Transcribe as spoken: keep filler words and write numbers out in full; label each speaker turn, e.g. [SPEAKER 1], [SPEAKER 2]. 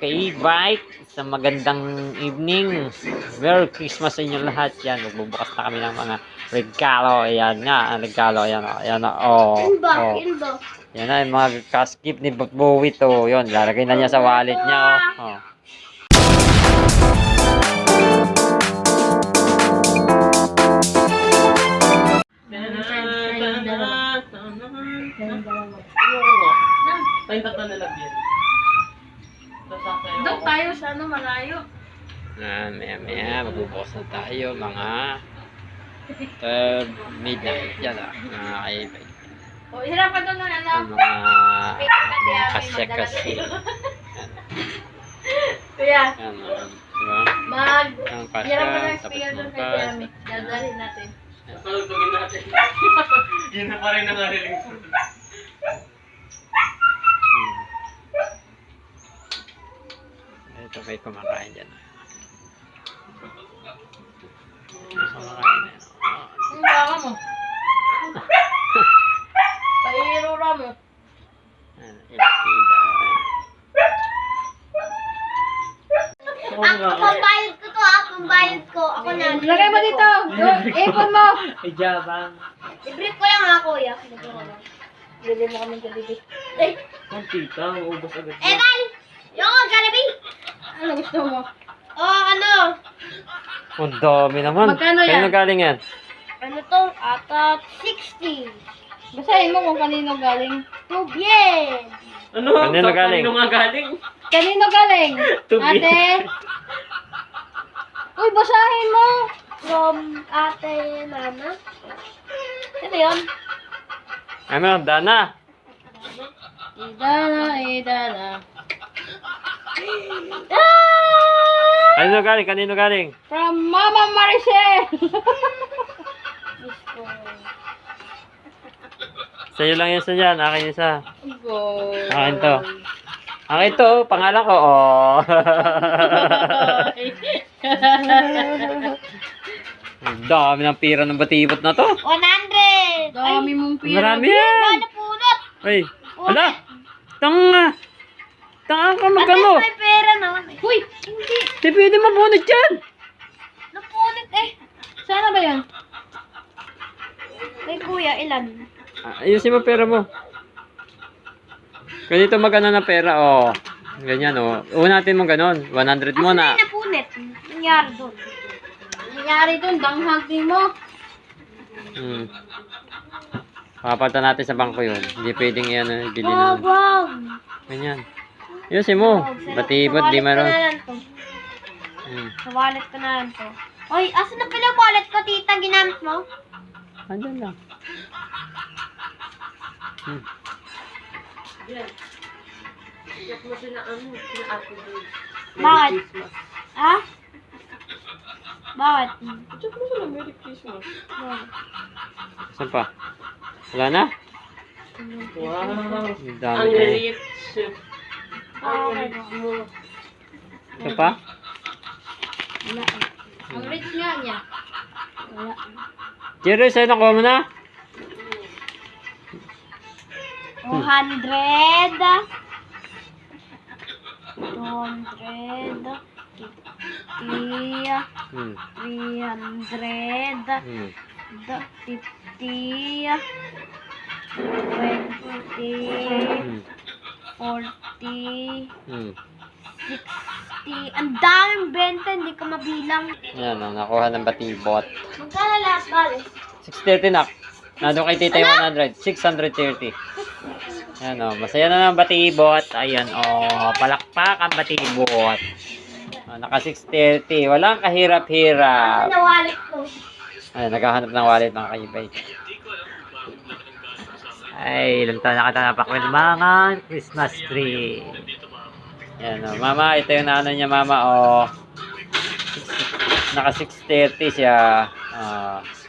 [SPEAKER 1] ka-e-bike. Isang magandang evening. Merry Christmas sa inyo lahat. Yan, magbubukas na kami ng mga regalo. Ayan nga, ang regalo. Ayan o. Ayan o. Oh, oh. Yan na, yung mga cash gift ni Bowie to. Yun, lalagay na niya sa wallet niya. Oh. Oh.
[SPEAKER 2] Tayong tatlo na lang yan.
[SPEAKER 3] Doon tayo sa ano, malayo.
[SPEAKER 1] Ah, maya maya, magbubukas na tayo mga third midnight. Yan ah, mga ka-e-bike.
[SPEAKER 3] O, hirapan doon na ano.
[SPEAKER 1] Yung mga mga kasya-kasya.
[SPEAKER 3] Kuya,
[SPEAKER 1] Yan, ah, diba?
[SPEAKER 3] mag...
[SPEAKER 1] Ang kasya,
[SPEAKER 3] Hirapan ng
[SPEAKER 1] tapos
[SPEAKER 3] speaker doon kay
[SPEAKER 1] bukas.
[SPEAKER 3] Tiami. Dadalhin natin.
[SPEAKER 2] Palugtugin natin. Yun na pa rin ang ariling ko.
[SPEAKER 1] Ito may kumakain dyan. Kumakain na yan.
[SPEAKER 3] Ang baka mo. Pairura mo.
[SPEAKER 1] Ayan, ilakida.
[SPEAKER 4] Ako, pambayad ko to, ah. Pambayad ko. Ako na.
[SPEAKER 3] Lagay mo dito. Yung ipon mo.
[SPEAKER 1] Ay, jabang.
[SPEAKER 4] I-brief ko lang ha, kuya. Lagyan ko lang.
[SPEAKER 3] Bili mo kami Jollibee.
[SPEAKER 4] Ay,
[SPEAKER 2] Ang tita, maubos agad.
[SPEAKER 4] Evan! Yung ako, Jollibee!
[SPEAKER 3] Ano gusto mo?
[SPEAKER 4] Oh, ano?
[SPEAKER 1] Ang dami naman.
[SPEAKER 3] Magkano yan?
[SPEAKER 1] Kanino galing yan?
[SPEAKER 4] Ano to? Ata sixty.
[SPEAKER 3] Basahin mo kung kanino galing.
[SPEAKER 4] Tubien!
[SPEAKER 2] Ano?
[SPEAKER 1] Kanino
[SPEAKER 2] Sa-
[SPEAKER 1] galing?
[SPEAKER 2] Kanino nga galing?
[SPEAKER 3] Kanino galing?
[SPEAKER 2] Tubi.
[SPEAKER 3] Ate? Uy, basahin mo.
[SPEAKER 4] From ate Nana. Ito yun.
[SPEAKER 1] Ano, Dana?
[SPEAKER 3] Idana, idana.
[SPEAKER 4] Ah!
[SPEAKER 1] Kanino galing? Kanino galing?
[SPEAKER 3] From Mama Maricel.
[SPEAKER 1] Sa'yo lang yan sa dyan. Akin isa.
[SPEAKER 3] Go.
[SPEAKER 1] Akin to. Akin to. Pangalan ko. Oh. Ang dami ng pira ng batibot na to.
[SPEAKER 4] one hundred!
[SPEAKER 3] Dami mong pira.
[SPEAKER 1] Marami yan.
[SPEAKER 4] Ano punot?
[SPEAKER 1] Ay. Ala. Tanga. Tanga ka magkano.
[SPEAKER 4] At least may pera naman eh.
[SPEAKER 3] Uy, hindi.
[SPEAKER 1] Di pwede mabunot yan.
[SPEAKER 4] Napunit eh.
[SPEAKER 3] Sana ba yan?
[SPEAKER 4] May kuya, ilan?
[SPEAKER 1] Ah, ayusin mo pera mo. Ganito magana na pera. Oh. Ganyan oh. Una natin mong ganon. one hundred
[SPEAKER 4] Asa
[SPEAKER 1] muna.
[SPEAKER 4] na yung napunit? Nangyari doon.
[SPEAKER 3] Nangyari dun, danghag din mo.
[SPEAKER 1] Hmm. Papunta natin sa bangko yun. Hindi pwedeng yan. Uh, ibili
[SPEAKER 4] Wag,
[SPEAKER 1] na.
[SPEAKER 4] wag.
[SPEAKER 1] Ganyan. Ayusin mo. Batibot, di
[SPEAKER 4] Sa
[SPEAKER 1] maron.
[SPEAKER 4] wallet ko na lang to.
[SPEAKER 1] Hmm.
[SPEAKER 4] Sa wallet ko na lang to. Oy, asan na pala yung wallet ko, tita? Ginamit mo?
[SPEAKER 1] Andun lang. Hmm.
[SPEAKER 4] Bakit? Ha? Bakit?
[SPEAKER 2] Check mo sila, Merry Christmas.
[SPEAKER 4] Bakit?
[SPEAKER 1] Saan pa? Wala na?
[SPEAKER 2] Wow.
[SPEAKER 1] Ang dami
[SPEAKER 2] Ang
[SPEAKER 1] na eh.
[SPEAKER 2] rich. Ang rich mo.
[SPEAKER 1] Ito pa?
[SPEAKER 3] Wala. Ang rich nga niya. Wala.
[SPEAKER 1] Jerry, sa'yo nakuha mo na?
[SPEAKER 4] two hundred. two hundred. fifty.
[SPEAKER 1] Hmm.
[SPEAKER 4] three hundred.
[SPEAKER 1] Hmm.
[SPEAKER 4] the- fifty. twenty.
[SPEAKER 1] Hmm.
[SPEAKER 4] forty.
[SPEAKER 1] Hmm.
[SPEAKER 4] sixty. Ang daming benta, hindi ko mabilang.
[SPEAKER 1] Yan, oh, nakuha ng batibot.
[SPEAKER 4] Magkano lahat, bale?
[SPEAKER 1] six thirty na. Nandun kay tita yung one hundred. six thirty. Yan o. Masaya na ng batibot. Ayan o. Palakpak ang batibot. O, naka six thirty. Walang kahirap-hirap.
[SPEAKER 4] Ano wallet ko?
[SPEAKER 1] Ay, naghahanap ng wallet mga ka-e-bike. Ay, ilang taon nakatanapak with mga Christmas tree. Yan o. Mama, ito yung nano niya mama o. Naka six thirty siya. Ah.